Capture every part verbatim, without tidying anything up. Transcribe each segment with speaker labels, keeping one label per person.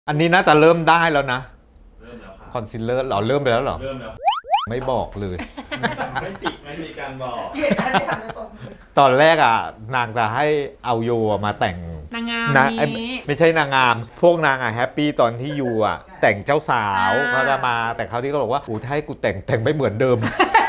Speaker 1: อันนี้น่าจะเริ่มได้แล้วนะ
Speaker 2: เริ่มแล้วค่ะ
Speaker 1: คอนซีลเลอร์เราเริ่มไปแล้วเหรอ
Speaker 2: เริ่มแล้ว
Speaker 1: ไม่บอกเลย
Speaker 2: ไม่จิกไม่มีการบอก
Speaker 1: ตอนแรกอ่ะนางจะให้เอาโยมาแต่ง
Speaker 3: นางงาม
Speaker 1: นะ
Speaker 3: นี้
Speaker 1: ไม่ใช่นางงามพวกนางอ่ะแฮปปี้ตอนที่ยูอ่ะแต่งเจ้าสาวเขาจะมาแต่เขาที่ก็บอกว่าอู้ถ้าให้กูแต่งแต่งไม่เหมือนเดิม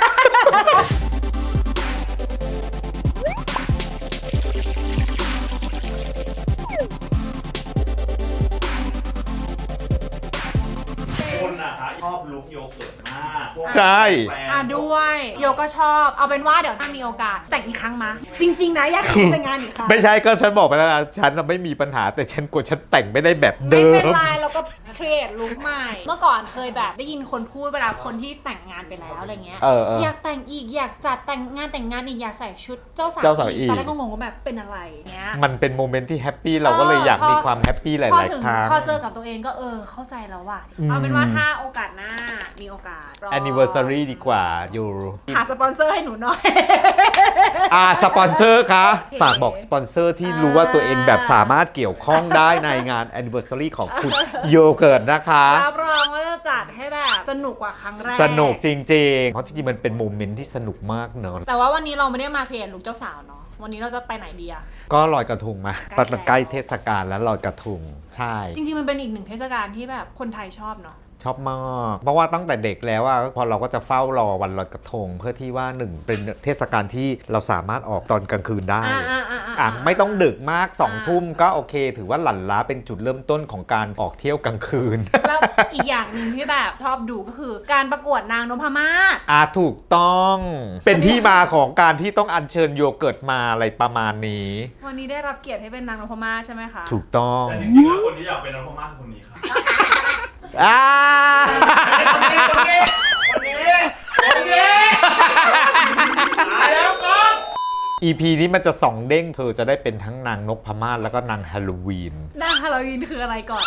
Speaker 2: คนอะคะชอบลุคโยเกิร์ตมาก
Speaker 1: ใช่
Speaker 3: อ่ะด้วยโยก็ชอบเอาเป็นว่าเดี๋ยวถ้ามีโอกาสแต่งอีกครั้งมาจริงๆนะอยากแต่งงานอีกครั้ง
Speaker 1: ไม่ใช่ก็ฉันบอกไปแล้วฉันไม่มีปัญหาแต่ฉันกลัวฉันแต่งไม่ได้แบบเดิ
Speaker 3: ไม่เป็น
Speaker 1: ม
Speaker 3: ไรเราก็ครีเอทลุคใหม่เมื่อก่อนเคยแบบได้ยินคนพูดเวลาคนที่แต่งงานไปแล้วอะไรเงี้ย
Speaker 1: เออเออ
Speaker 3: อยากแต่งอีกอยากจัดแต่งงานแต่งงานอีกอยากใส่ชุดเจ้าสาว
Speaker 1: เจ้าสาวอีก
Speaker 3: ตอนแรกก็งงว่าแบบเป็นอะไรเงี้ย
Speaker 1: มันเป็นโมเมนต์ที่แฮปปี้เราก็เลยอยากมีความแฮปปี้ห
Speaker 3: พอ
Speaker 1: ลาย
Speaker 3: ถึง
Speaker 1: ๆครั้ง
Speaker 3: พอเจอกับตัวเองก็เออเข้าใจแล้วว่ะ
Speaker 1: อืม
Speaker 3: เอาเป็นว่าถ้าโอกาสหน้ามีโอกาสรอ
Speaker 1: anniversary ดีกว่าอยู่
Speaker 3: หาสปอนเซอร์ให้หนูหน่อย
Speaker 1: อ่าสปอนเซอร์คะฝากบอกสปอนเซอร์ที่รู้ว่าตัวเองแบบสามารถเกี่ยวข้องได้ในงาน anniversary ของคุณโยเกิร์ตนะคะ
Speaker 3: รับรองว่าจะจัดให้แบบสนุกกว่าครั้งแรก
Speaker 1: สนุกจริงๆ เพราะจริงๆ มันเป็นโมเมนต์ที่สนุกมากเนอะ
Speaker 3: แต่ว่าวันนี้เราไม่ได้มาเคลียร์ลุคเจ้าสาวเนาะวันนี้เราจะไปไหนดีอะ
Speaker 1: ก็ลอยกระทงมา
Speaker 3: ใกล้แล้ว
Speaker 1: มันใกล้เทศกาลแล้วลอยกระทงใช่
Speaker 3: จริงๆมันเป็นอีกหนึ่งเทศกาลที่แบบคนไทยชอบเนาะ
Speaker 1: ชอบมาก เพราะว่าตั้งแต่เด็กแล้วอะพอเราก็จะเฝ้ารอวันลอยกระทง เพื่อที่ว่าหนึ่งเป็นเทศกาลที่เราสามารถออกตอนกลางคืนได้
Speaker 3: อ่าอ่าอ่า
Speaker 1: อ่ะไม่ต้องดึกมากสอง
Speaker 3: อ่า
Speaker 1: ทุ่มก็โอเค ถือว่าหลั่นล้าเป็นจุดเริ่มต้นของการออกเที่ยวกลางคืน
Speaker 3: แล้วอีกอย่างหนึ่งที่แบบชอบดูก็คือการประกวดนางนพมาศ
Speaker 1: อ่ะถูกต้องเป็นที่มาของการที่ต้องอัญเชิญโยเกิร์ตมาอะไรประมาณนี้
Speaker 3: วันนี้ได้รับเกียรติให้เป็นนางนพมาศใช่ไหมคะ
Speaker 1: ถูกต้อง
Speaker 2: แต่จริงๆแล้วคนที่อยากเป็นนักพม่าคนนี้ค่ะ
Speaker 1: อ่า
Speaker 2: คนนี้คนนี้คนนี้คนนี้ตายแล้วก่อน
Speaker 1: อี พี นี้มันจะสองเด้งเธอจะได้เป็นทั้งนางนพมาศแล้วก็นางฮาโลวีน
Speaker 3: นางฮาโลวีนคืออะไรก่อน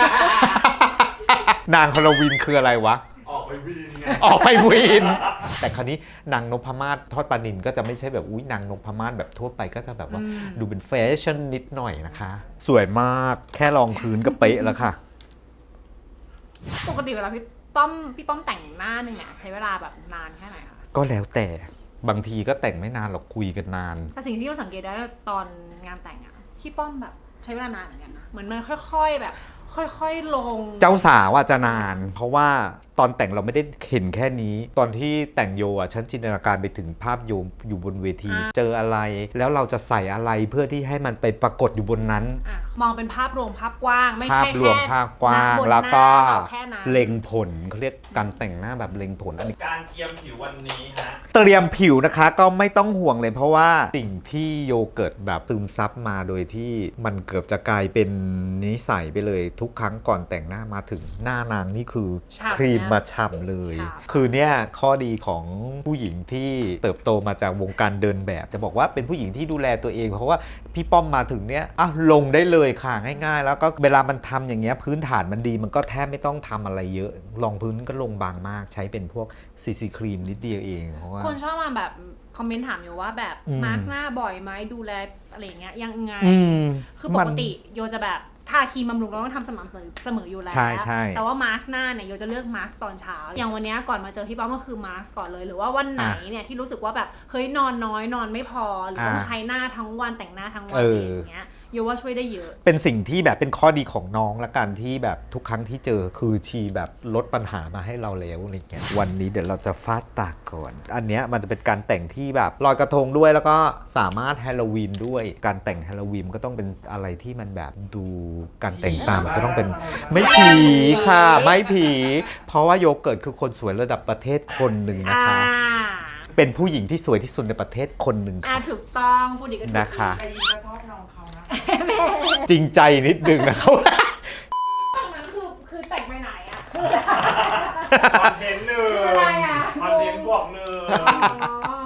Speaker 1: นางฮาโลวีนคืออะไรวะ
Speaker 2: ออกไปวีนไง
Speaker 1: ออกไปวีน แต่คราวนี้นางนพมาศทอดปลานินก็จะไม่ใช่แบบอุ้ยนางนพมาศแบบทั่วไปก็จะแบบว่า
Speaker 3: อืม
Speaker 1: ดูเป็นแฟชั่นนิดหน่อยนะคะ สวยมากแค่รองพื้นก็เป๊ะแล้วค่ะ
Speaker 3: ปกติเวลาพี่ป้อมพี่ป้อมแต่งหน้าหนึ่งเนี่ยใช้เวลาแบบนานแค่ไหนคะ
Speaker 1: ก็แล้วแต่บางทีก็แต่งไม่นานหรอกคุยกันนาน
Speaker 3: แต่สิ่งที่เราสังเกตได้ตอนงานแต่งอะพี่ป้อมแบบใช้เวลานานเหมือนกันนะเหมือนมันค่อยๆแบบ ค่อยๆลง
Speaker 1: เจ้าสาวอ่ะจะนาน เพราะว่าตอนแต่งเราไม่ได้เห็นแค่นี้ ตอนที่แต่งโยอ่ะฉันจินตนาการไปถึงภาพโยอยู่บนเวที เจออะไร แล้วเราจะใส่อะไรเพื่อที่ให้มันไปปรากฏอยู่บนนั้น
Speaker 3: อะมองเป็นภาพรวมภาพกว้างไม่
Speaker 1: ภาพ
Speaker 3: ใช่
Speaker 1: รวม
Speaker 3: แค่
Speaker 1: ภาพกว้าง
Speaker 3: บน
Speaker 1: แล้วก็
Speaker 3: หน้าเราแค่นั้น
Speaker 1: เล็งผลเขาเรียกการแต่งหน้าแบบเล็งผลอันนี้
Speaker 2: การเตรียมผิววันนี้ฮะ
Speaker 1: เตรียมผิวนะคะก็ไม่ต้องห่วงเลยเพราะว่าสิ่งที่โยเกิร์ตแบบซึมซับมาโดยที่มันเกือบจะกลายเป็นนิสัยไปเลยทุกครั้งก่อนแต่งหน้ามาถึงหน้านางนี่คือ
Speaker 3: ฉ่ำ
Speaker 1: ครีม
Speaker 3: นะ
Speaker 1: มาฉ่ำเลย
Speaker 3: ฉ่ำ
Speaker 1: คือเนี่ยข้อดีของผู้หญิงที่เติบโตมาจากวงการเดินแบบ จะบอกว่าเป็นผู้หญิงที่ดูแลตัวเอง เพราะว่าพี่ป้อมมาถึงเนี้ยอ่ะลงได้เลยค่ะง่ายๆ แล้วก็เวลามันทำอย่างเงี้ยพื้นฐานมันดีมันก็แทบไม่ต้องทำอะไรเยอะรองพื้นก็ลงบางมากใช้เป็นพวกซีซีครีมนิดเดียวเองเพราะว่า
Speaker 3: คนชอบมาแบบคอมเมนต์ถามอยู่ว่าแบบ
Speaker 1: อืม
Speaker 3: มาร์คหน้าบ่อยไหมดูแลอะไรอย่างเงี้ยยังไง
Speaker 1: อืม
Speaker 3: คือปกติโยจะแบบทาครีมบำรุงเราต้องทำสม่ำเสมออยู่แล้ว
Speaker 1: ใช่ใช่
Speaker 3: แต่ว่ามาร์คหน้าเนี่ยโยจะเลือกมาร์คตอนเช้า อย่างวันเนี้ยก่อนมาเจอพี่ป้อมก็คือมาร์คก่อนเลย หรือว่าวันไหนเนี่ยที่รู้สึกว่าแบบเฮ้ยนอนน้อยนอนไม่พอหรือต้องใช้หน้าทั้งวันแต่งหน้าทั้งวันอย่างเงี้ยโยว่าช่วยได้เยอะ
Speaker 1: เป็นสิ่งที่แบบเป็นข้อดีของน้องละกันที่แบบทุกครั้งที่เจอคือชีแบบลดปัญหามาให้เราแล้วอะไรเงี้ยวันนี้เดี๋ยวเราจะฟาดตากก่อน อันเนี้ยมันจะเป็นการแต่งที่แบบลอยกระทงด้วยแล้วก็สามารถฮาโลวีนด้วยการแต่งฮาโลวีนก็ต้องเป็นอะไรที่มันแบบดูการแต่งตามจะต้องเป็นไม่ผีค่ะไม่ผีเพราะว่าโยเกิร์ตคือคนสวยระดับประเทศคนหนึ่งนะคะ
Speaker 3: อ่า
Speaker 1: เป็นผู้หญิงที่สวยที่สุดในประเทศคนหนึ่ง
Speaker 3: อ่า
Speaker 1: ค่ะ
Speaker 3: ถูกต้องพูดดีก็ถูก
Speaker 1: นะคะ
Speaker 4: ใครก็ชอบน้องเขานะ
Speaker 1: จริงใจนิดนึงนะครับ
Speaker 3: นั้นคือคือแต่งไปไหนอะ
Speaker 2: คอนเทนต์หนึ่ง
Speaker 3: คืออะไรอะ
Speaker 2: คอนเทนต์บวกหนึ่ง
Speaker 3: ก็ว่าทำไม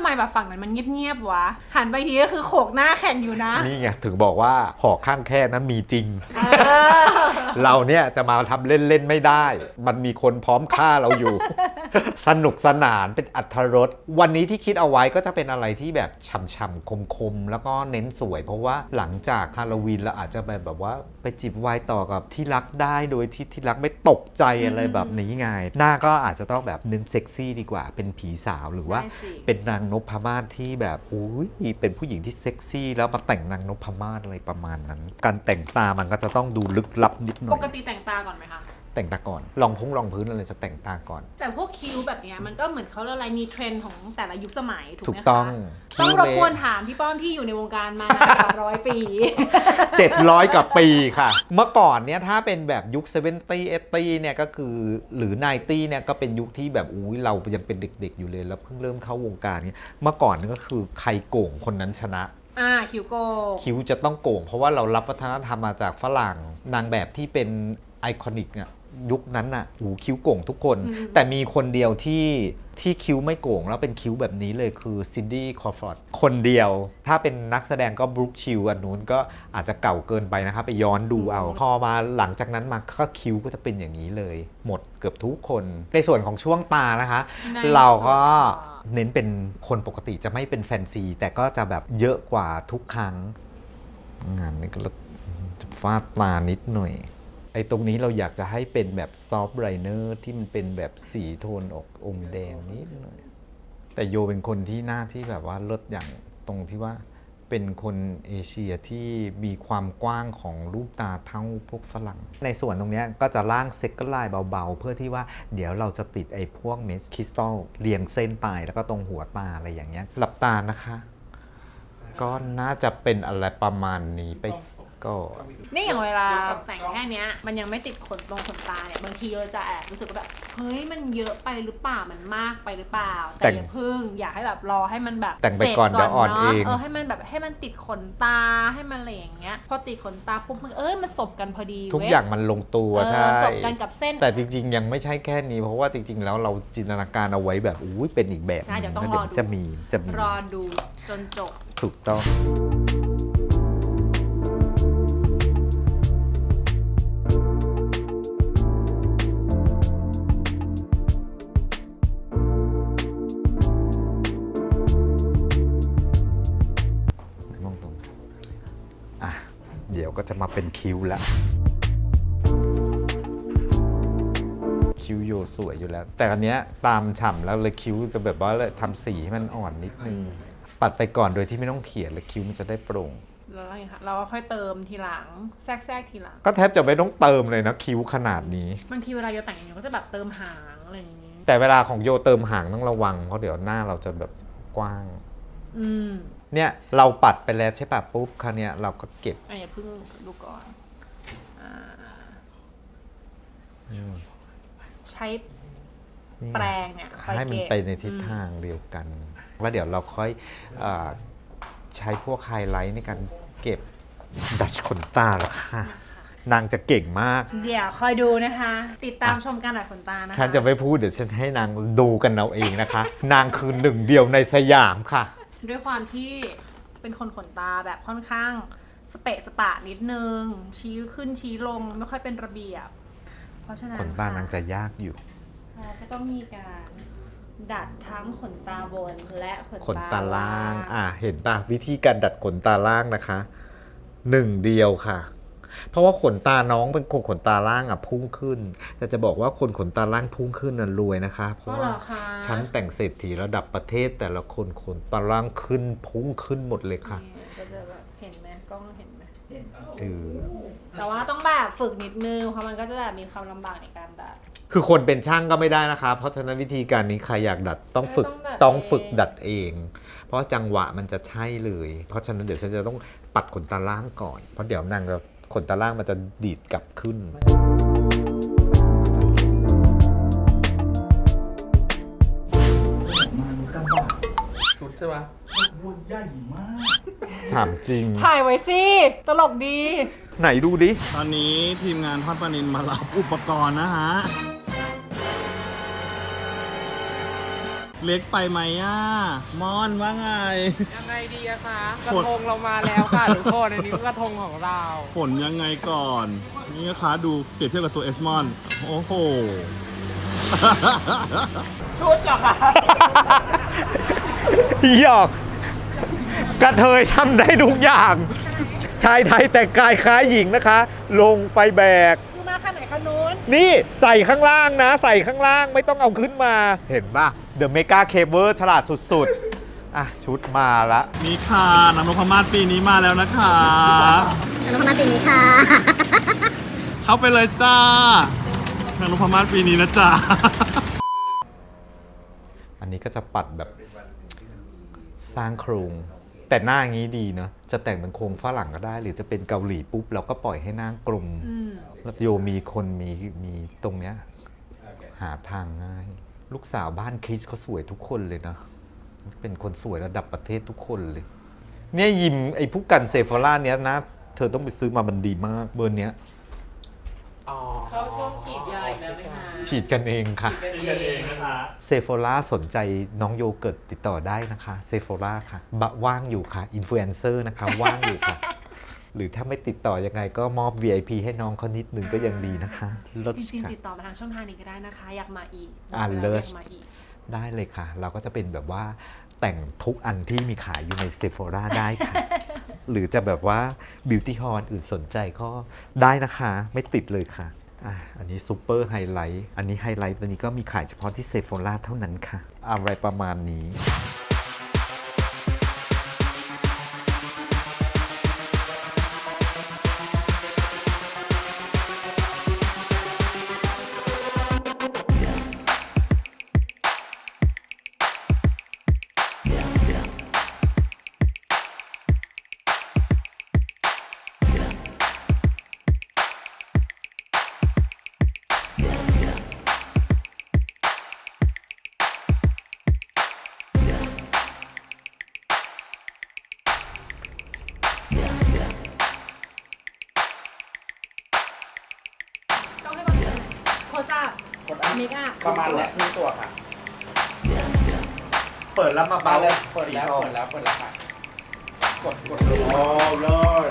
Speaker 3: มแบบฝั่งนั้นมันเงียบๆวะหันไปทีก็คือโขกหน้าแข่งอยู่นะ
Speaker 1: นี่ไงถึงบอกว่าหอกข้างแค่นั้นมีจริง
Speaker 3: เออ
Speaker 1: เราเนี่ยจะมาทำเล่นๆไม่ได้ มันมีคนพร้อมฆ่าเราอยู่ สนุกสนานเป็นอรรถรสวันนี้ที่คิดเอาไว้ก็จะเป็นอะไรที่แบบฉ่ำๆคมๆแล้วก็เน้นสวย เพราะว่าหลังจากฮาโลวีนเราอาจจะแบบแบบว่าไปจิบไวน์ต่อกับที่รักได้โดยที่ที่รักไม่ตกใจอะไรแบบนี้ไงหน้าก็อาจจะต้องแบบเน้นเซ็กซี่ดีกว่าเป็นผีสาวหรือว่า
Speaker 3: ได้สิ
Speaker 1: เป็นนางนพมาศที่แบบอุ้ยเป็นผู้หญิงที่เซ็กซี่แล้วมาแต่งนางนพมาศอะไรประมาณนั้น การแต่งตามันก็จะต้องดูลึกลับนิดหน่
Speaker 3: ป
Speaker 1: อย
Speaker 3: กติแต่งตาก่อนไหมคะ
Speaker 1: แต่งตาก่อนลองพุ่งลองพื้นอะไรจะแต่งตาก่อน
Speaker 3: แต่พวกคิ้วแบบเนี้ยมันก็เหมือนเขาเรียกอะไรมีเทรนด์ของแต่ละยุคสมัยถูก
Speaker 1: ถู
Speaker 3: ไหม
Speaker 1: ก
Speaker 3: คะ
Speaker 1: ต้อง
Speaker 3: ต้องรบกวน
Speaker 1: คิ้
Speaker 3: ถามพี่ป้อมที่อยู่ในวงการมานานกว่าร้อยปี
Speaker 1: เจ็ดร้อยกว่าปีค่ะ เมื่อก่อนเนี่ยถ้าเป็นแบบยุคเซเวนตี้เอตี้เนี่ยก็คือหรือไนตี้เนี่ยก็เป็นยุคที่แบบอุ้ยเรายังเป็นเด็กๆอยู่เลยแล้วเพิ่งเริ่มเข้าวงการเนี่ยเมื่อก่อนนี่ก็คือใครโก่งคนนั้นชนะ
Speaker 3: อ่าคิ้วโกง
Speaker 1: คิ้วจะต้องโก่งเพราะว่าเรารับวัฒนธรรมมาจากฝรั่งนางแบบที่เป็นไอคอนิกเนี่ยยุคนั้นน่ะหูคิ้วโก่งทุกคน แต่มีคนเดียวที่ที่คิ้วไม่โก่งแล้วเป็นคิ้วแบบนี้เลยคือซินดี้คอร์ฟอร์ดคนเดียว ถ้าเป็นนักแสดงก็บรูคชิลอันนู้นก็อาจจะเก่าเกินไปนะครับไปย้อนดูเอา พอมาหลังจากนั้นมาก็คิ้วก็จะเป็นอย่างนี้เลย หมดเกือบทุกคน ในส่วนของช่วงตานะคะ
Speaker 3: ใน
Speaker 1: เราก็
Speaker 3: ส่วนของ
Speaker 1: เน้นเป็นคนปกติจะไม่เป็นแฟนซี แต่ก็จะแบบเยอะกว่าทุกครั้ง งานนี้ก็จะฟาดตานิดหน่อย ไอ้ตรงนี้เราอยากจะให้เป็นแบบซอฟต์ไรเนอร์ที่มันเป็นแบบสีโทนออกอมแดงนิดหน่อย แต่โยเป็นคนที่หน้าที่แบบว่าเลิศอย่างตรงที่ว่าเป็นคนเอเชียที่มีความกว้างของรูปตาเท่าพวกฝรั่ง ในส่วนตรงเนี้ยก็จะล่างเซ็กเกอร์ไลน์เบาๆ เพื่อที่ว่าเดี๋ยวเราจะติดไอ้พวกเม็ดคริสตัลเรียงเส้นไปแล้วก็ตรงหัวตาอะไรอย่างเงี้ยหลับตานะคะ ก็น่าจะเป็นอะไรประมาณนี้ไปก็
Speaker 3: นี่อย่างเวลาแต่งแค่เนี้ยมันยังไม่ติดขนตรงขนตาเนี่ยบางทีเราจะแอบรู้สึกว่าแบบเฮ้ยมันเยอะไปหรือเปล่ามันมากไปหรือเปล่า
Speaker 1: แต่
Speaker 3: แต่
Speaker 1: ง
Speaker 3: อย่าพึ่งอยากให้แบบรอให้มันแบบ
Speaker 1: แต่งไปก่อน
Speaker 3: สร็จ
Speaker 1: เดี๋ยวอ่อน
Speaker 3: นะ
Speaker 1: เอง
Speaker 3: เออให้มันแบบให้มันติดขนตาให้มันอะไรอย่างเงี้ยพอติดขนตาปุ๊บมันเอ้ยมันสบกันพอดี
Speaker 1: ทุก
Speaker 3: เว้ย
Speaker 1: อย่างมันลงตัว
Speaker 3: เออ
Speaker 1: ใช่
Speaker 3: สบกันกับเส้น
Speaker 1: แต่จริงๆ ยังไม่ใช่แค่นี้ เพราะว่าจริงๆ แล้วเราจินตนาการเอาไว้แบบอุ้ยเป็นอีกแบบ
Speaker 3: น่าจะต้อง
Speaker 1: แล้ว
Speaker 3: รอดู
Speaker 1: จะมีจะมี
Speaker 3: รอดูจนจบ
Speaker 1: ถูกต้องมองตรงอ่ะเดี๋ยวก็จะมาเป็นคิ้วแล้ว คิ้วโยสวยอยู่แล้ว แต่อันเนี้ยตามฉ่ำแล้วเลยคิ้วจะแบบว่าเลยทำสีให้มันอ่อนนิดนึง ปัดไปก่อนโดยที่ไม่ต้องเขียนเลยคิ้วมันจะได้โปร่ง
Speaker 3: แล้วอะไรคะเราก็ค่อยเติมทีหลังแทรกแทรกทีหลัง
Speaker 1: ก็แทบจะไม่ต้องเติมเลยนะคิ้วขนาดนี้
Speaker 3: บางทีเวลาโยแต่งโยก็จะแบบเติมหางอะไรอย่างงี้
Speaker 1: แต่เวลาของโยเติมหางต้องระวัง เพราะเดี๋ยวหน้าเราจะแบบกว้าง
Speaker 3: อืม
Speaker 1: เนี่ยเราปัดไปแล้วใช่ปะปุ๊บคราวเนี้ยเราก็เก็บ
Speaker 3: อ่ะอย่าเพิ่งดูก่อนอ่าใช้แปรงเนี่ยคอย
Speaker 1: ให้มัน
Speaker 3: เก็บ
Speaker 1: ไปในทิศทางเดียวกัน แล้วเดี๋ยวเราค่อยเอ่อใช้พวกไฮไลท์ในการเก็บดัชขนตาแล้วค่ะ นางจะเก่งมาก
Speaker 3: เดี๋ยวคอยดูนะคะ ติดตามชมการดัดขนตานะคะ
Speaker 1: ฉันจะไม่พูดเดี๋ยวฉันให้นางดูกันเอาเองนะคะ นางคือหนึ่งเดียวในสยามค่ะ
Speaker 3: ด้วยความที่เป็นคนขนตาแบบค่อนข้างสเปะสปะนิดนึง ชี้ขึ้นชี้ลงไม่ค่อยเป็นระเบียบ เพราะฉะนั้น
Speaker 1: ขนตานางจะยากอยู่
Speaker 3: เราก็ต้องมีการดัดทั้งขนตาบนและขน
Speaker 1: ขนตาล่าง
Speaker 3: อ่ะ
Speaker 1: อ่ะเห็นป่ะวิธีการดัดขนตาล่างนะคะหนึ่งเดียวค่ะ เพราะว่าขนตาน้องเป็นคนขนตาล่างอ่ะพุ่งขึ้น แต่จะบอกว่าคนขนตาล่างพุ่งขึ้นน่ะรวยนะคะ เพ
Speaker 3: เพ
Speaker 1: ราะ
Speaker 3: ราะเหร
Speaker 1: ว่า
Speaker 3: อคะ
Speaker 1: ชั้นแต่งเศรษฐีระดับประเทศแต่ละคนขนตาล่างขึ้นพุ่งขึ้นหมดเลยค่ะ
Speaker 3: นี่ก็จะแบบเห็นไหมกล้องเห็นไหม
Speaker 1: เออ
Speaker 3: แต่ว่าต้องแบบฝึกนิดนึงเพราะมันก็จะแบบมีความลำบากในการดัด
Speaker 1: คือคนเป็นช่างก็ไม่ได้นะคะ เพราะฉะนั้นวิธีการนี้ใครอยากดัดต้องฝึก
Speaker 3: ต้องดัด
Speaker 1: ต้องฝึก
Speaker 3: เอง
Speaker 1: ดัดเอง เพราะจังหวะมันจะใช่เลย เพราะฉะนั้นเดี๋ยวฉันจะต้องปัดขนตาล่างก่อน เพราะเดี๋ยวนางจะขนตาล่างมันจะดีดกลับขึ้น
Speaker 2: ชุดใช่ปะวัวใหญ่มาก
Speaker 1: ถามจริง
Speaker 3: ถ่ายไว้สิ ตลกดี
Speaker 1: ไหนดูดิ
Speaker 4: ตอนนี้ทีมงานทอดปลานินมารับอุปกรณ์นะฮะเล็กไปไหมอ่ะมอนว่าไง
Speaker 5: ยังไงดีอะคะกระทงเรามาแล้วค่ะทุกคนอันนี้ก็กระทงของเรา
Speaker 4: ผลยังไงก่อน นี่นะคะดูเปรียบเทียบกับตัวเอสมอน โอ้โห
Speaker 5: ชุดเหรอคะ
Speaker 1: หยอกกระเทยทำได้ทุกอย่าง ชายไทยแต่งกายคล้ายหญิงนะคะ ลงไปแบก
Speaker 3: คือมาคันไหนคันนู้น
Speaker 1: นี่ใส่ข้างล่างนะ ใส่ข้างล่างไม่ต้องเอาขึ้นมา เห็นป่ะ The Mega Caber ฉลาดสุดๆ อ่ะ ชุดมาละ
Speaker 4: นี่ค่ะนางนพมาศปีนี้มาแล้วนะคะ
Speaker 6: อนุโมทนาปีนี้ค่ะ
Speaker 4: เข้าไปเลยจ้านางนพมาศปีนี้นะจ๊ะ
Speaker 1: อันนี้ก็จะปัดแบบสร้างโครง แต่หน้างี้ดีเนอะจะแต่งเป็นโครงฝรั่งก็ได้ หรือจะเป็นเกาหลีปุ๊บเราก็ปล่อยให้หน้ากลม
Speaker 3: อืม
Speaker 1: แล้วโยมีคนมีมีตรงเนี้ยหาทางง่าย ลูกสาวบ้านคริสเขาสวยทุกคนเลยนะ เป็นคนสวยระดับประเทศทุกคนเลย เนี่ยยิมไอ้ผู้กันเซฟอร่าเนี้ยนะ เธอต้องไปซื้อมามันดีมากเบอร์เนี้ย
Speaker 5: เข้าช่วงฉีดยาอีกแล้วไหมคะ
Speaker 1: ฉีดกันเองค่ะ
Speaker 4: นี่กันเองนะคะ
Speaker 1: เซฟ o ล่าสนใจน้องโยเกิร์ตติดต่อได้นะคะเซฟ o ล่าค่ะบะว่างอยู่ค่ะอินฟลูเอนเซอร์นะคะ ว่างอยู่ค่ะ หรือถ้าไม่ติดต่อยังไงก็มอบ วี ไอ พี ให้น้องเขานิดนึงก็ยังดีนะคะลด
Speaker 3: จริง
Speaker 1: ค่ะ
Speaker 3: ๆ ติดต่อมาทางช่องทางนี้ก็ได้นะคะ อยากมาอีก
Speaker 1: อ่าเลิศ
Speaker 3: อยากมาอีก
Speaker 1: ได้เลยค่ะ เราก็จะเป็นแบบว่าแต่งทุกอันที่มีขายอยู่ในเซฟ o ล่าได้ค่ะ หรือจะแบบว่าบิวตี้ฮอลอื่นสนใจก็ได้นะคะ ไม่ติดเลยค่ะอ่ะ อันนี้ซูเปอร์ไฮไลท์อันนี้ไฮไลท์ตัวนี้ก็มีขายเฉพาะที่เซฟ o ล่าเท่านั้นค่ะ อะไรประมาณนี้
Speaker 3: ต้องให้ก่อนเลยโคซ่าเมกอัพ
Speaker 2: ประมาณแหละครึ่งตัวค่ะ
Speaker 1: เปิดแล้วมา
Speaker 2: มา
Speaker 1: เบา
Speaker 2: เลยเปิดแล้วเปิดแล้วเปิดแล้วค่ะกดกดดู
Speaker 1: โอ้เลย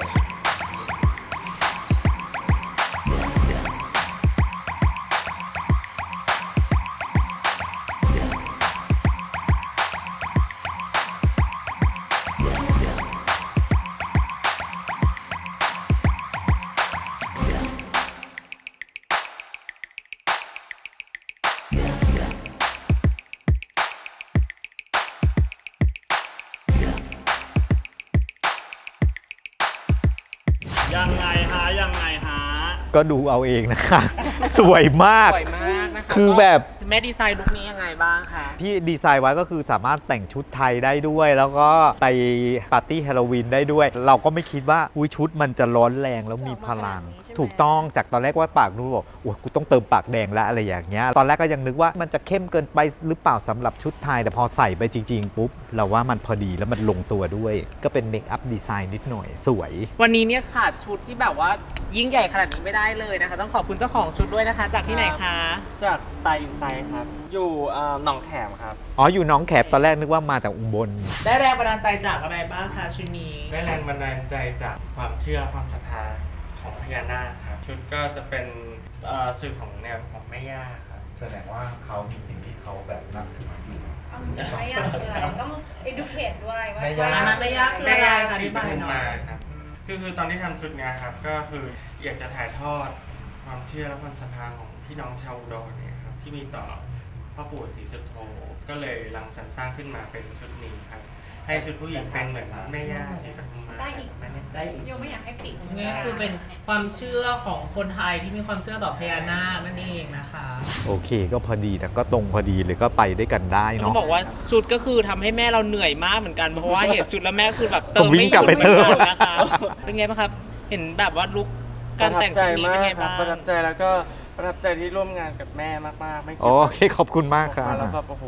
Speaker 4: ยังไงฮะ ยังไงฮะ
Speaker 1: ก็ดูเอาเองนะคะ สวยมาก
Speaker 5: สวยมากนะคะ
Speaker 1: คือแบบ
Speaker 5: แม่ดีไซน์ลุคนี้ยังไงบ้างคะ
Speaker 1: ที่ดีไซน์ไว้ก็คือสามารถแต่งชุดไทยได้ด้วย แล้วก็ไปปาร์ตี้ฮาโลวีนได้ด้วย เราก็ไม่คิดว่าอุ้ยชุดมันจะร้อนแรงแล้วมีพลัง ถูกต้องจากตอนแรกว่าปากนูบอกโอ้ยกูต้องเติมปากแดงแล้วอะไรอย่างเงี้ยตอนแรกก็ยังนึกว่ามันจะเข้มเกินไปหรือเปล่าสำหรับชุดไทย แต่พอใส่ไปจริง ๆ ปุ๊บ เราว่ามันพอดีแล้วมันลงตัวด้วย ก็เป็นเมคอัพดีไซน์นิดหน่อยสวย
Speaker 5: วันนี้เนี่ยขาดชุดที่แบบว่ายิ่งใหญ่ขนาดนี้ไม่ได้เลยนะคะ ต้องขอบคุณเจ้าของชุดด้วยนะคะ จากที่ไหนคะ
Speaker 7: จากสไตล์อินไซด์ครับ อยู่เอ่อหนองแขมครับ
Speaker 1: อ๋ออยู่หน้องแขบตอนแรกนึกว่ามาจากอุบล
Speaker 5: ได้แรงบันดาลใจจากอะไรบ้างคะชุดนี้
Speaker 7: ได้แรงบันดาลใจจากความเชื่อความศรัทธาของพญานาคครับ ชุดก็จะเป็นเอ่อสื่อของแนวของแม่ย่าครับ
Speaker 1: แสดงว่าเขามีสิ่งที่เขาแบบนับถืออยู่
Speaker 3: เอาจริงๆไม่ยากคืออะไรต้อง educate ด้วยว่า
Speaker 1: ไม่ยาก
Speaker 5: มันไม่ยากคืออะไร
Speaker 7: แม่ย่า
Speaker 5: คะอ
Speaker 7: ศรี
Speaker 5: ธิ
Speaker 7: ป
Speaker 5: บาย
Speaker 7: ทุม
Speaker 5: หน่อ
Speaker 7: มาย ครับ คือคือตอนที่ทำชุดเนี้ยครับ ก็คืออยากจะถ่ายทอดความเชื่อและความศรัทธาของพี่น้องชาวอุดรเนี่ยครับที่มีต่อพ่อปู่ศรีสุโธก็เลยรังสรรค์สร้างขึ้นมาเป็นชุดนี้ครับ ให้ชุดผู้หญิงเป็นเหมือนแม่ย่าศรีปทุมมา
Speaker 3: ได้อีก
Speaker 7: ได้อีก
Speaker 3: โยไม่อยากให้ปิด
Speaker 5: นี่คือเป็นความเชื่อของคนไทยที่มีความเชื่อต่อพญานาคนั่นเองนะคะ
Speaker 1: โอเคก็พอดีนะก็ตรงพอดีเลยก็ไปด้วยกันได้
Speaker 5: ต้อ
Speaker 1: เนาะ
Speaker 5: งบอกว่าชุดก็คือทำให้แม่เราเหนื่อยมากเหมือนกันเพราะว่าเห็นชุดแล้วแม่คือแบบเติ
Speaker 1: ต้อ
Speaker 5: ม
Speaker 1: งวิ่
Speaker 5: ไม่
Speaker 1: ง
Speaker 5: ห
Speaker 1: กลั
Speaker 5: ยุ
Speaker 1: บ
Speaker 5: ด
Speaker 1: ไป
Speaker 5: เหมื
Speaker 1: เติ
Speaker 5: อน
Speaker 1: ม
Speaker 5: กันนะคะเป็นไงบ้างครับ เห็นแบบว่าลุก
Speaker 7: ป
Speaker 5: การ
Speaker 7: ระทับ
Speaker 5: แต่ง
Speaker 7: ใจ
Speaker 5: ชุดนี้
Speaker 7: มา
Speaker 5: เป็น
Speaker 7: ก
Speaker 5: ไง
Speaker 7: ครับ
Speaker 5: บ้าง
Speaker 7: ประทับใจแล้วก็ประทับใจที่ร่วมงานกับแม่มากๆ ไม่คิด
Speaker 1: โอเคขอบคุณมากครับ
Speaker 7: แล้วก็โอ้โห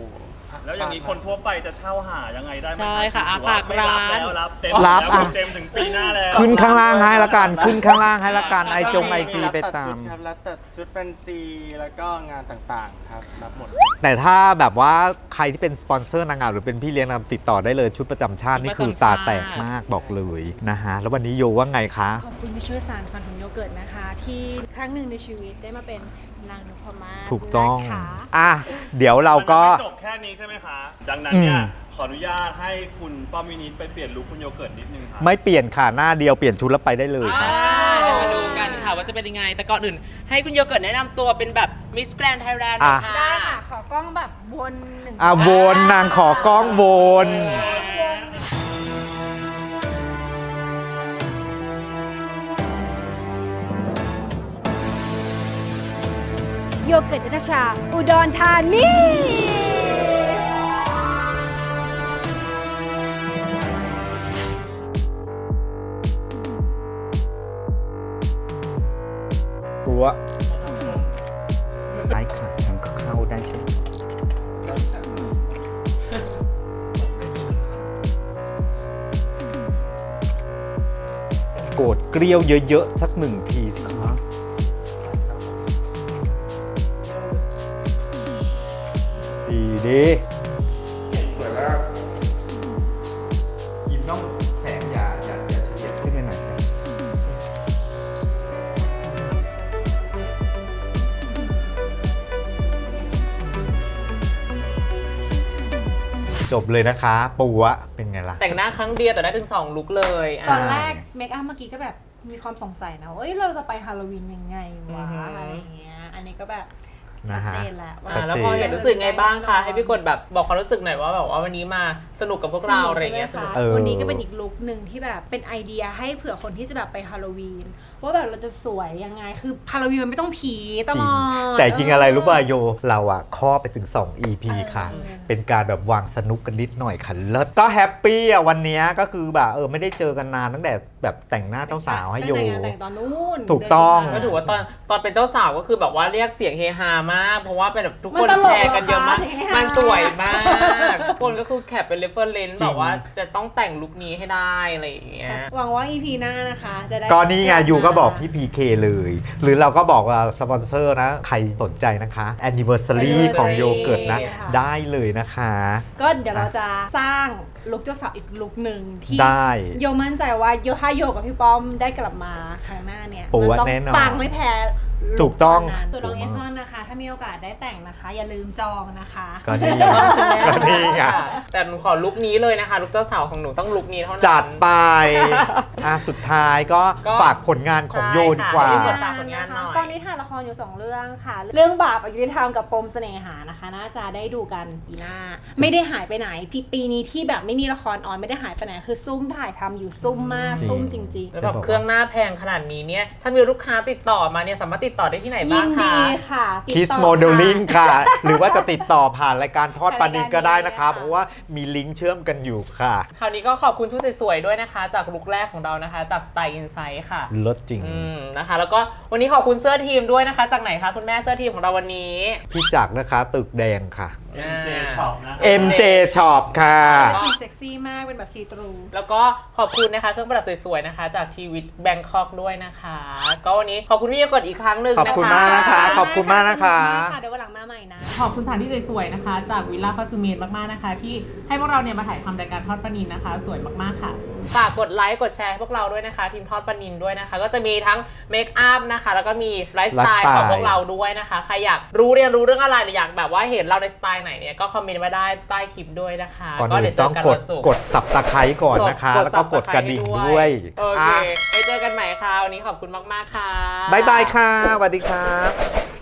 Speaker 4: แล้วอย่างนี้คนทั่วไปจะเช่าหายังไงได้ไหม
Speaker 5: ใช่ค่ะ
Speaker 4: หรือ
Speaker 5: ฝา
Speaker 4: ว่าก ไม่รับ
Speaker 5: ร้าน
Speaker 4: แล้วรับเต็ม
Speaker 1: รับ
Speaker 4: แล้ว
Speaker 1: อ่ะ
Speaker 4: คุณเจมส์ถึงปีหน้าแล้ว
Speaker 1: ขึ้นข้างล่างให้ละกัน ขึ้นข้างล่างให้ละกันไอจงไอจีไปตาม
Speaker 7: ครับรับตัดชุดแฟนซีแล้วก็งานต่างๆครับรับหมด
Speaker 1: แต่ถ้าแบบว่าใครที่เป็นสปอนเซอร์นางงามหรือเป็นพี่เลี้ยงนางงามติดต่อได้เลยชุดประจำชาตินี่คือตาแตกมากบอกเลยนะฮะ แล้ววันนี้โยว่าไงคะ
Speaker 3: ขอบคุณที่ช่วยสานฝันของโยเกิร์ตนะคะ ที่ครั้งหนึ่งในชีวิตได้มาเป็นนางนพมาศ
Speaker 1: ถูกต้อง
Speaker 3: นะคะ
Speaker 1: อ่ะ เดี๋ยวเราก็
Speaker 4: มันยังไม่จบแค่นี้ใช่ไหมคะ ดังนั้นเนี่ย
Speaker 1: อืม
Speaker 4: ขออนุญาตให้คุณป้อมวินิตไปเปลี่ยนลุคคุณโยเกิร์ตนิดนึงค่ะ
Speaker 1: ไม่เปลี่ยนค่ะหน้าเดียวเปลี่ยนชุดแล้วไปได้เลยค่ะ
Speaker 5: อ่ามาดูกันค่ะว่าจะเป็นยังไง แต่ก่อนอื่นให้คุณโยเกิร์ตแนะนำตัวเป็นแบบมิสแกรนด์ไทยแลนด์
Speaker 1: อ่ะ
Speaker 5: ค่ะ
Speaker 3: ได้ค่ะ ขอกล้องแบบวนหนึ่ง
Speaker 1: อ่ะวนนางขอกล้องวน
Speaker 3: โยเกิร์ตนัทชา อุดรธานี
Speaker 1: ตัวได้ค่ะฉันก็เข้าได้ใช่ไหมโกรธเกลียวเยอะๆ สักหนึ่งทีสิครับดีดีสวยมากยิ้มต้องแสงอย่าอย่าอย่าเฉียดขึ้นไปหน่อยจ้ะจบเลยนะคะ ปูอะเป็นไงล่ะ
Speaker 5: แต่งหน้าครั้งเดียวแต่ได้ถึงสองลุคเลยอ่ะ
Speaker 3: ตอนแรกเมคอัพเมื่อกี้ก็แบบมีความสงสัยนะว่าเอ้ยเราจะไปฮาโลวีนยังไงวะ
Speaker 5: อือหืออ
Speaker 3: อะไรอย่างเงี้ย อันนี้ก็แบบ
Speaker 1: นะ
Speaker 3: ชัด
Speaker 1: ฮะ
Speaker 3: เจนแล้วว่า
Speaker 1: ชัด
Speaker 5: แล้ว
Speaker 1: เจน
Speaker 5: พอเห็นรู้สึกไงบ้างคะให้พี่กดแบบบอกความรู้สึกหน่อยว่าแบบว่าวันนี้มาสนุกกับพวกเราอะไรอย่างเงี้ยส
Speaker 3: ใช่
Speaker 5: นุ
Speaker 3: ไห
Speaker 5: ก
Speaker 3: มคะ
Speaker 1: เออ
Speaker 3: วันนี้ก็เป็นอีกลุคหนึ่งที่แบบเป็นไอเดียให้เผื่อคนที่จะแบบไปฮาโลวีนว่าแบบเราจะสวยยังไงคือฮาโลวีนมันไม่ต้องผีต
Speaker 1: จริ
Speaker 3: ล
Speaker 1: ง
Speaker 3: อด
Speaker 1: แต่จริงอะไรรู้ป่ะโย เราอะข้อไปถึง สอง อี พี
Speaker 3: เออ
Speaker 1: ค่ะ เป็นการแบบวางสนุกกันนิดหน่อยค่ะเลิศก็แฮปปี้อะวันเนี้ยก็คือแบบเออไม่ได้เจอกันนานตั้งแต่แบบแต่งหน้าเจ้าสาวให้โย
Speaker 3: ตั้งแต่งานแต่งตอนนู้น
Speaker 1: ถูกต้อง
Speaker 3: เดืน
Speaker 5: ก็
Speaker 3: ที่ผ่นม
Speaker 5: ถือว่าตอนตอนเป็นเจ้าสาวก็คือแบบว่าเรียกเสียงเฮฮามาก เพราะว่าเป็นแบบทุกคน
Speaker 3: มันตลก
Speaker 5: แชร์กันเยอะมาก
Speaker 3: เหรอคะเสียงเฮฮามั
Speaker 5: มันสวยมากทุกคนก็คือแคปเป็นเรฟเฟอร์เรนซ์
Speaker 1: จริง
Speaker 5: แบบว่าจะต้องแต่งลุคนี้ให้ได้อะไรอย่างเงี้ย
Speaker 3: หวังว่า อี พี หน้านะคะจะได้
Speaker 1: ก็นี่ไงยูก็บอกพี่ พี เค เลย หรือเราก็บอกว่าสปอนเซอร์นะ ใครสนใจนะคะ anniversary ของโยเกิร์ตนะ
Speaker 3: ค่ะ
Speaker 1: ได้เลยนะคะ
Speaker 3: ก็เดี๋ยวเราจะสร้างลุคเจ้าสาวอีกลุคหนึ่งที่
Speaker 1: ได้
Speaker 3: โยมั่นใจว่าโยถ้าโยกับพี่ป้อมได้กลับมาครั้งหน้าเนี่ย
Speaker 1: ปู
Speaker 3: มั
Speaker 1: ว่า
Speaker 3: ต้อง
Speaker 1: แน่นอน
Speaker 3: ปังไม่แพ้
Speaker 1: ถูกต้อง
Speaker 3: ลุคนั้นตัวน้องเอสมอนนะคะ ถ้ามีโอกาสได้แต่งนะคะ อย่าลืมจองนะคะ
Speaker 1: ก็นี่ไงก็นี่ไง
Speaker 5: แต่หนูขอลุคนี้เลยนะคะลุคเจ้าสาวของหนูต้องลุคนี้เท่านั้น
Speaker 1: จัดไปอ่ะสุดท้ายก็
Speaker 5: ก็
Speaker 1: ฝากผลงานของโยดีกว่า
Speaker 5: ใช่ค่ะ ฝากผลงานหน่อย
Speaker 3: ตอนนี้ถ่ายละครอยู่สองเรื่องค่ะ เรื่องบาปอยุธรรมกับปมเสน่หานะคะ น่าจะได้ดูกันปีหน้า ไม่ได้หายไปไหนปีปีนี้ที่แบบไม่มีละครออนไม่ได้หายไปไหนคือซุ่มถ่ายทำอยู่ซุ่มมาก
Speaker 1: จริง
Speaker 3: ซุ่มจริง
Speaker 5: แล้วแบบเครื่องหน้าแพงขนาดนี้เนี่ยถ้ามีลูกค้าติดต่อมาเนี่ยสามารถติดต่อได้ที่ไหน
Speaker 3: ๆยิ
Speaker 5: บ้าง
Speaker 3: น
Speaker 5: คะ
Speaker 3: ดีค่ะติด
Speaker 1: คิส
Speaker 3: ต่อ
Speaker 1: โมเดลลิ่ง
Speaker 3: ค่ะ
Speaker 1: ค่ะ หรือว่าจะติดต่อผ่านรายการทอดปลานินก็ได้นะคะ
Speaker 3: ผ่านรายการนี้
Speaker 1: เพราะว่ามีลิงก์เชื่อมกันอยู่ค่ะ
Speaker 5: คราวนี้ก็ขอบคุณชุดสวยๆด้วยนะคะ จากลุคแรกของเรานะคะ จาก Style Insight ค่ะ
Speaker 1: ลดจริง
Speaker 5: อืมนะคะ แล้วก็วันนี้ขอบคุณเสื้อทีมด้วยนะคะ จากไหนคะคุณแม่เสื้อทีมของเราวันนี้
Speaker 1: พี่จักรนะคะ ตึกแดงค่ะ
Speaker 4: เอ็ม เจ Shop นะ
Speaker 1: เอ็ม เจ Shop ค่ะ
Speaker 3: ทีเซ็กซี่มากเป็นแบบซีตรู
Speaker 5: แล้วก็ขอบคุณนะคะเครื่องประดับสวยๆนะคะ จากทีวิตแบงคอกด้วยนะคะ ก็วันนี้ขอบคุณพี่โยเกิร์ตอีกครั้งหนึ่ง
Speaker 1: ขอบ
Speaker 5: นะคะ
Speaker 1: คุณมากนะคะ ขอบคุณมากนะคะ
Speaker 3: เดี๋ยววันหลังมาใหม่นะ
Speaker 5: ขอบคุณสถานที่สวยๆนะคะ จากวิลล่าคาซูเมนมากๆนะคะ ที่ให้พวกเราเนี่ยมาถ่ายทำรายการทอดปลานินนะคะ สวยมากๆค่ะฝากกดไลค์กดแชร์ให้พวกเราด้วยนะคะ ทีมทอดปลานินด้วยนะคะ ก็จะมีทั้งเมคอัพนะคะ แล้วก็มีไลฟ์สไตล์
Speaker 1: ไลฟ์สไตล์
Speaker 5: ของพวกเราด้วยนะคะใครอยากรู้เรียนรู้เรื่องอะไรหรืออยากแบบว่าเห็นเราในสไตล์ไหนเนี่ยก็คอมเมนต์มาได้ใต้คลิปด้วยนะคะ
Speaker 1: ก่อน
Speaker 5: ก็
Speaker 1: อื่
Speaker 5: เดี๋ย
Speaker 1: น
Speaker 5: วเจ
Speaker 1: ต้อ
Speaker 5: อง กัน
Speaker 1: กด
Speaker 5: วันศุกร์
Speaker 1: กดสับตะไคร้ก่อนนะคะ แล้วก็กดกระดิ่งด้วย
Speaker 5: โอเค
Speaker 1: อ่ะ
Speaker 5: ไปเจอกันใหม่ค่ะวันนี้ขอบคุณมากๆค่ะ
Speaker 1: บ๊ายบายค่ะสวัสดีครับ